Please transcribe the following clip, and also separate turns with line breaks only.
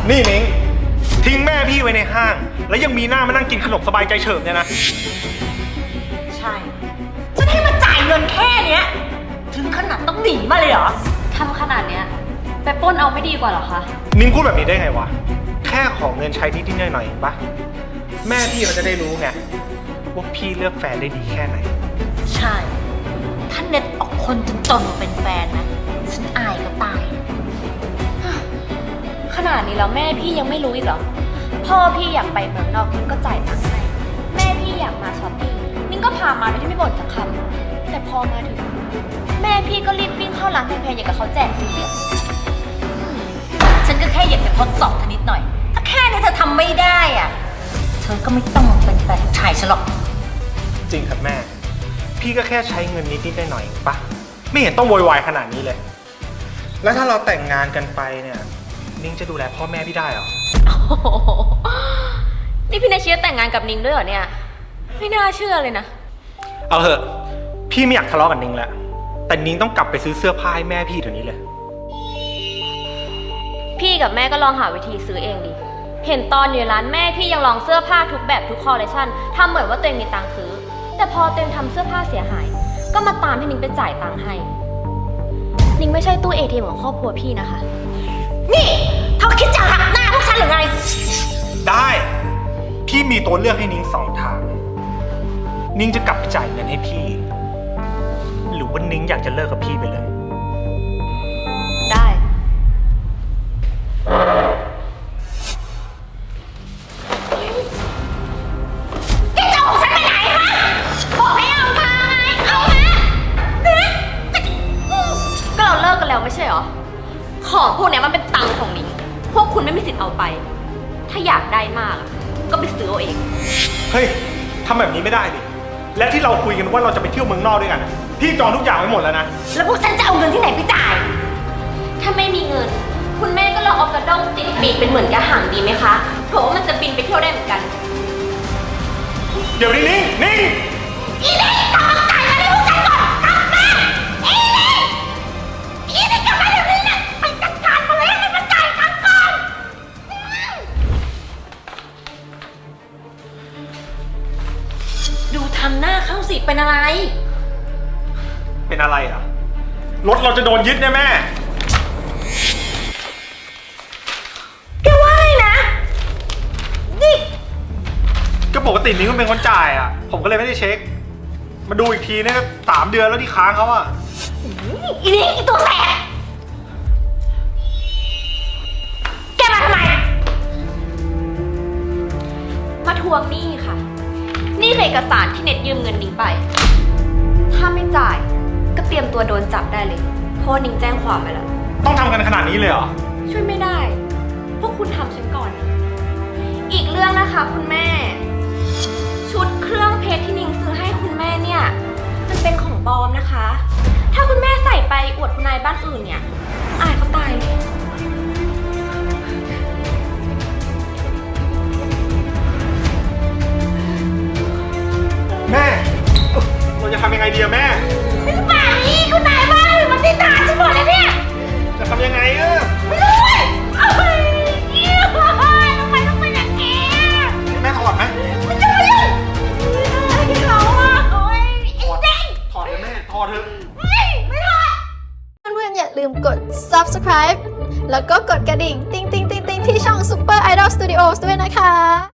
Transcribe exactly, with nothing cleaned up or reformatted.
นี่นิ้งทิ้งแม่พี่ไว้ในห้าง แล้วยังมีหน้ามานั่งกินขนมสบายใจเฉิบเนี่ยนะ
ใช่ฉันให้มาจ่ายเงินแค่เนี้ยถึงขนาดต้องหนีมาเลยเหรอ
ทำขนาดเนี้ยไปปล้นเอาไม่ดีกว่าเหรอคะ
นิ้งพูดแบบนี้ได้ไงวะแค่ของเงินใช้นิดๆหน่อยๆเองปะแม่พี่เขาจะได้รู้ไงว่าพี่เลือกแฟนได้ดีแค่ไหน
ใช่ถ้าเน็ตออกคนจนๆมาเป็นแฟนนะฉันอายก็ตาย
ขนาดนี้แล้วแม่พี่ยังไม่รู้อีกเหรอพ่อพี่อยากไปเมืองนอกนิ้งก็จ่ายตังค์ให้แม่พี่อยากมาช้อปปิ้งนิ้งก็พามาโดยที่ไม่บ่นสักคำแต่พอมาถึงแม่พี่ก็รีบวิ่งเข้าร้านแพงๆอย่างกับเขาแจกฟรีอะ
ฉันก็แค่อยากจะทดสอบเธอนิดหน่อยถ้าแค่นี้เธอทำไม่ได้อ่ะเธอก็ไม่ต้องมาเป็นแฟนชายฉันหรอก
จริงครับแม่พี่ก็แค่ใช้เงินนิดๆหน่อยๆเองปะไม่เห็นต้องโวยวายขนาดนี้เลยแล้วถ้าเราแต่งงานกันไปเนี่ยนิ้งจะดูแลพ่อแม่พี่ได้เหรอ
นี่พี่นายเชียร์แต่งงานกับนิ้งด้วยเหรอเนี่ยไม่น่าเชื่อเลยนะ
เอาเถอะพี่ไม่อยากทะเลาะกับนิ้งแล้วแต่นิ้งต้องกลับไปซื้อเสื้อผ้าให้แม่พี่เดี๋ยวนี้เลย
พี่กับแม่ก็ลองหาวิธีซื้อเองดิเห็นตอนอยู่ร้านแม่พี่ยังลองเสื้อผ้าทุกแบบทุกคอลเลคชันทำเหมือนว่าตัวเองมีตังค์ซื้อแต่พอตัวเองทำเสื้อผ้าเสียหายก็มาตามให้นิ้งไปจ่ายตังค์ให้นิ้งไม่ใช่ตู้ เอ ที เอ็ม ของครอบครัวพี่นะคะ
นี่เธอคิดจะหักหน้าพวกฉันหรือไง
ได้พี่มีตัวเลือกให้นิ้งสองทางนิ้งจะกลับไปจ่ายเงินให้พี่หรือว่านิ้งอยากจะเลิกกับพี่ไปเลย
ได้
แกจะเอาฉันไปไหนฮะบอกให้เอามาไงเอามา
ก็เราเลิกกันแล้วไม่ใช่เหรอของพวกนี้มันเป็นตังค์ของนิ้งพวกคุณไม่มีสิทธิ์เอาไปถ้าอยากได้มากก็ไปซื้อเอาเอง
เฮ้ยทำแบบนี้ไม่ได้ดิและที่เราคุยกันว่าเราจะไปเที่ยวเมืองนอกด้วยกันพี่จองทุกอย่างไว้หมดแล้วนะ
แล้วพวกฉันจะเอาเงินที่ไหนไปจ่าย
ถ้าไม่มีเงินคุณแม่ก็ลองเอากระด้งติดปีกเป็นเหมือนกระหังดีไหมคะเพราะว่ามันจะบินไปเที่ยวได้เหมือนกัน
เดี๋ยวนี้นิ่งนิ่ง
อีนี่กลับมาจ่ายเงินให้พวกฉันก่อนกลับมาอีนี่อีนี่กลับมาเดี๋ยวนี้นะไปจัดการมาเลยให้มันจ่ายตังค์ก่อนดูทำหน้าเข้าสิเป็นอะไร
เป็นอะไรอ่ะรถเราจะโดนยึดแน่แม่
แกว่าไงนะนี่
ก็ปกตินิ้งมันเป็นคนจ่ายอ่ะผมก็เลยไม่ได้เช็คมาดูอีกทีเนี่ยสามเดือนแล้วที่ค้างเขาอ่ะ
อีนี่อีตัวแสบแกมาทำไม
มาทวงหนี้ค่ะนี่เอกสารที่เน็ตยืมเงินนิ้งไปถ้าไม่จ่ายก็เตรียมตัวโดนจับได้เลยเพราะนิ้งแจ้งความไปแล้ว
ต้องทำกันขนาดนี้เลยเหรอ
ช่วยไม่ได้พวกคุณทำฉันก่อนอีกเรื่องนะคะคุณแม่ชุดเครื่องเพชรที่นิ้งซื้อให้คุณแม่เนี่ยมันเป็นของปลอมนะคะถ้าคุณแม่ใส่ไปอวดคุณนายบ้านอื่นเนี่ยอายเขาตายเลย
แม่เราจะทำยังไงดีอะแม่
ป่านนี้คุณนายบ้านมันติดตาฉันหมดเลยเนี่ย
จะทำยังไงอะ
ไม่รู้เว้ยเอ้ยทำไมต้องเป็นอย่างนี้
แม่ถอดไหม
ไม่จะมายุ่งไม่ได้เราอ่ะโอ้ยไอ้เด้ง
ถอดเลยแม่ถอดเถอะ
ไม่ไม่ถอด
เพื่อนๆอย่าลืมกด ซับสไครบ์ แล้วก็กดกระดิ่งติ๊งติ๊งติ๊งติ๊งที่ช่อง Super Idol Studios ด้วยนะคะ